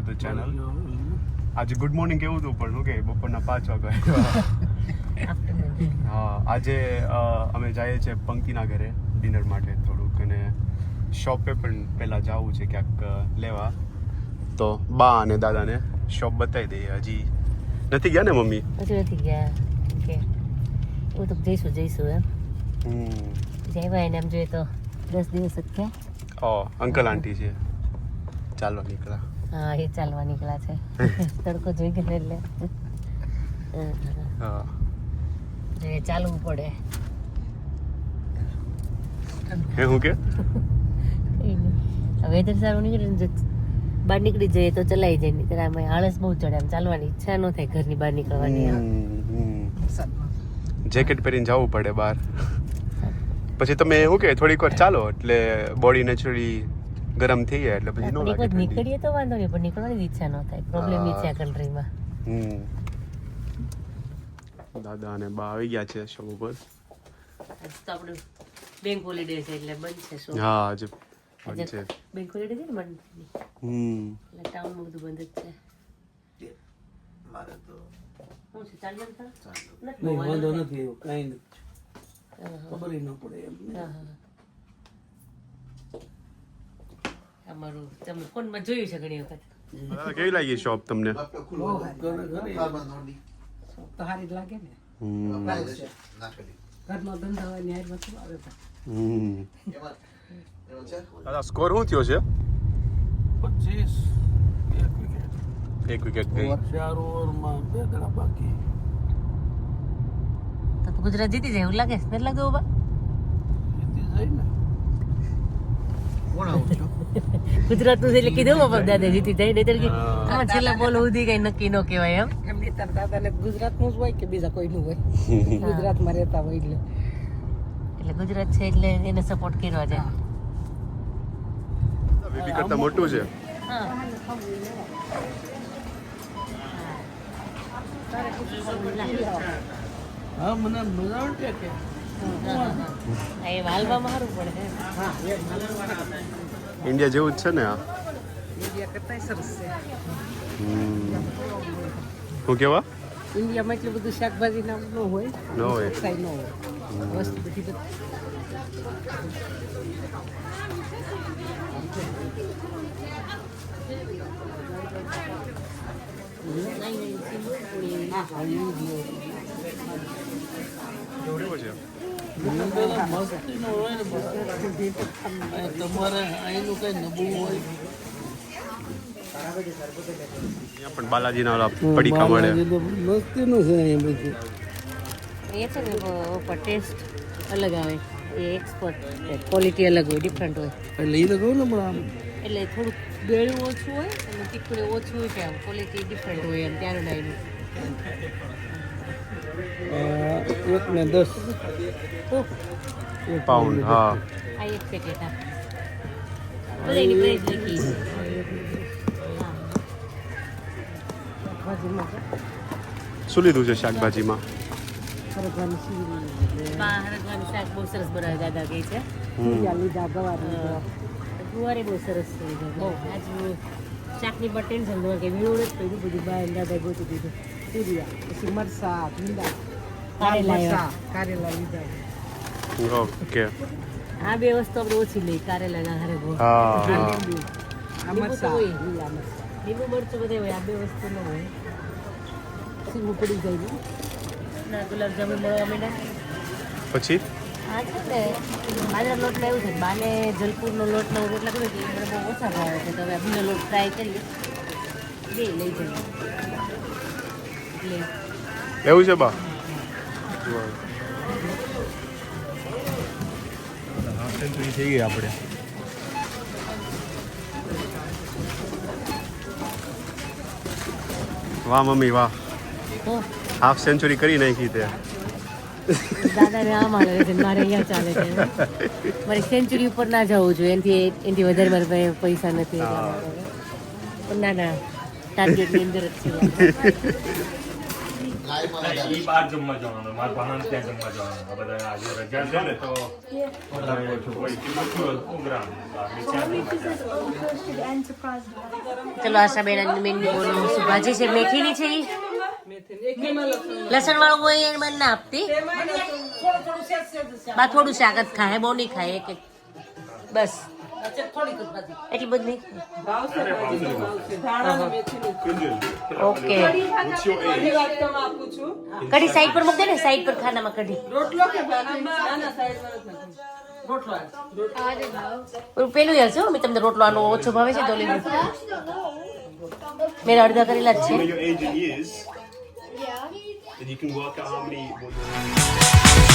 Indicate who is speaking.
Speaker 1: Two channel. આજે good morning કેવું હતું પણ ઓકે બપોરના 5 વાગ્યા. હા આજે અમે જઈએ છીએ પંક્તિના ઘરે ડિનર માટે થોડુંક, અને શોપે પણ પહેલાં જવું છે ક્યાંક લેવા. તો બા અને દાદાને શોપ બતાવી દઈએ. હજી નથી ગયા ને મમ્મી?
Speaker 2: હજુ નથી ગયા કે એવું તો જઈશું એમ. જઈવા એને એમ જોઈએ તો 10 દિવસ જ થયા.
Speaker 1: અંકલ આંટી છે ચાલવા નીકળ્યા.
Speaker 2: હા એ ચાલવા નીકળ્યા છે. તડકો જોઈ ગયો એટલે
Speaker 1: હા
Speaker 2: એ ચાલવું પડે.
Speaker 1: હે હું કે
Speaker 2: વેધર સારું નીકળે ને બહાર નીકળી જઈએ તો ચલાઈ જાય, નહીં ત્યારે આમાં આળસ બહુ ચડે, આમ ચાલવાની ઈચ્છા ન થાય ઘરની બહાર નીકળવાની.
Speaker 1: જેકેટ પહેરીને જવું પડે બહાર. પછી તમે શું કે થોડીક વાર ચાલો એટલે બોડી નેચરલી ગરમ થઈ જાય એટલે પછી નો લાગે.
Speaker 2: નીકળીએ તો વાંધો નહીં, પણ નીકળવાની ઈચ્છા ન થાય. પ્રોબ્લેમ ઈ છે આ કન્ટ્રીમાં.
Speaker 1: દાદા અને બા આવી ગયા છે શોપ ઉપર.
Speaker 2: તો આપણું બેંક હોલિડે છે એટલે બંધ છે શોપ.
Speaker 1: હા આજે બંધ છે.
Speaker 2: બેંક હોલિડે છે ને બંધ. એટલે ટાઉનમાં બધું બંધ જ છે.
Speaker 3: મારે તો
Speaker 2: શું છે ચાલ્યું હતા?
Speaker 3: નહીં વાંધો નથી, એવું કાંઈ નથી, ખબર ન પડે એમ.
Speaker 2: અમારું તમે ફોનમાં જોયું છે ઘણી વખત.
Speaker 1: કેવી લાગી શોપ તમને?
Speaker 3: તો સારી જ લાગે ને. ઘરનો ધંધા હોય ને હારમાં શું આવે તો.
Speaker 1: દાદા સ્કોર શું થયો છે?
Speaker 3: 25
Speaker 1: એક વિકેટ ગઈ.
Speaker 3: 4 ઓવરમાં 2 ગણા બાકી.
Speaker 2: તો ગુજરાત જીતી જાય એવું લાગે છે? નથી લાગતું બાબા?
Speaker 3: જીતી જાય ને. કોણ આવું છો?
Speaker 2: ગુજરાતનું છે એટલે કીધું બાબા દાદા જીતી જાય, નહીતર કે આમાં છેલ્લા બોલ સુધી કઈ નક્કી ન કહેવાય એમ.
Speaker 3: એમની તાર દાદાને ગુજરાતનું જ હોય કે બીજા કોઈનું હોય? ગુજરાતમાં રહેતા હોય
Speaker 2: એટલે ગુજરાત છે એટલે એને સપોર્ટ કરવા જાય.
Speaker 1: બીબી કરતા મોટું છે.
Speaker 3: હા મને મજા આવે કે
Speaker 2: એ વાલવામાં સારું પડે.
Speaker 1: ઇન્ડિયા જેવું જ છે ને આ?
Speaker 3: ઇન્ડિયા કરતાં સરસ છે.
Speaker 1: શું કેવા?
Speaker 3: ઇન્ડિયામાં એટલું બધું શાકભાજી નામ ન હોય,
Speaker 1: ન હોય.
Speaker 3: કાંઈ ન હોય, વસ્તુ બધી તમારે અહીંનું કઈ નબળું હોય.
Speaker 1: અહીંયા પણ બાલાજીના ઓલા પડીકા મળે.
Speaker 3: મસ્તીનું છે એ બધું.
Speaker 2: એ છે ને ઉપર ટેસ્ટ અલગ આવે, એ એક્સપર્ટ ક્વોલિટી અલગ હોય, ડિફરન્ટ હોય.
Speaker 3: એટલે એ તો કહું ને પણ આમ
Speaker 2: એટલે થોડુંક બેળું ઓછું હોય અને તીખું ઓછું હોય છે, આમ ક્વોલિટી ડિફરન્ટ હોય એમ ત્યાંનું ડાયનું.
Speaker 3: 1 ને 10
Speaker 1: પાઉન્ડ. હા
Speaker 2: આ એક પેકેટ આ બધાની પ્રાઇસ લખી.
Speaker 1: શું લીધું છે શાકભાજીમાં?
Speaker 2: હરગવાનું શાક બહુ સરસ બનાવે દાદા કહે છે.
Speaker 3: લીધા
Speaker 2: ગુવારે બહુ સરસ છે. આજ શાકની પણ ટેન્શન ન કે વીણું જ પડ્યું બધું બહાર દાદા ગોતું દીધું.
Speaker 3: પછી મરસા ભીંડા કારેલા લીધા.
Speaker 1: ઓકે.
Speaker 2: આ બે વસ્તુ આપણે ઓછી લઈ, કારેલા હરગવો.
Speaker 1: હા
Speaker 3: આ મરસા લીલા મરસા
Speaker 2: લીંબુ મરચું બધે હોય, આ બે વસ્તુ ન હોય.
Speaker 3: સીવું પડી જાય
Speaker 2: ના ગુલાબજાંબુ મળવા માંડ્યા.
Speaker 1: પછી
Speaker 2: આ છે ને બાજરા લોટમાં એવું છે, બાને જલપુરનો લોટનો રોટલા કર્યો કે મને બહુ ઓછા ભાવે છે, તો હવે બીજો લોટ ટ્રાય કરીએ, બે લઈ જઈએ. એટલે
Speaker 1: એવું છે બા? સેન્ચુરી થઈ ગઈ આપણે. વાહ મમ્મી વાહ, હાફ સેન્ચુરી કરી નાખી તે.
Speaker 2: દાદાને આમ હાલે છે, મારે અહીંયા ચાલે છે. મારે સેન્ચુરી ઉપર ના જવું જોઈએ, એનાથી વધારે મારી પાસે પૈસા નથી. પણ ના ટાર્ગેટની અંદર જ છે.
Speaker 4: ઈ બાર જમવા જવાનું, મારા ભાણાને ત્યાં જમવા જવાનું. આ બધા આજે રજા છે ને તો કોઈ કિંમત પ્રોગ્રામ
Speaker 2: ચલો આશાબેન મેનુ બોલો શું ભાજી છે મેથીની છે ઈ લસણ વાળું હોય એ મને ના આપતી બા થોડું શાક જ ખાય બહુ નહીં ખાય એક બસ એટલી બધી ઓકે કઢી સાઈડ પર મૂક દે ને સાઈડ પર ખાનામાં કઢી પેલું હશે મેં તમને રોટલો આનો ઓછો ભાવે છે તો લઈ મેં અડધા કરેલા જ છે
Speaker 1: Your age in years, then you can work out how many.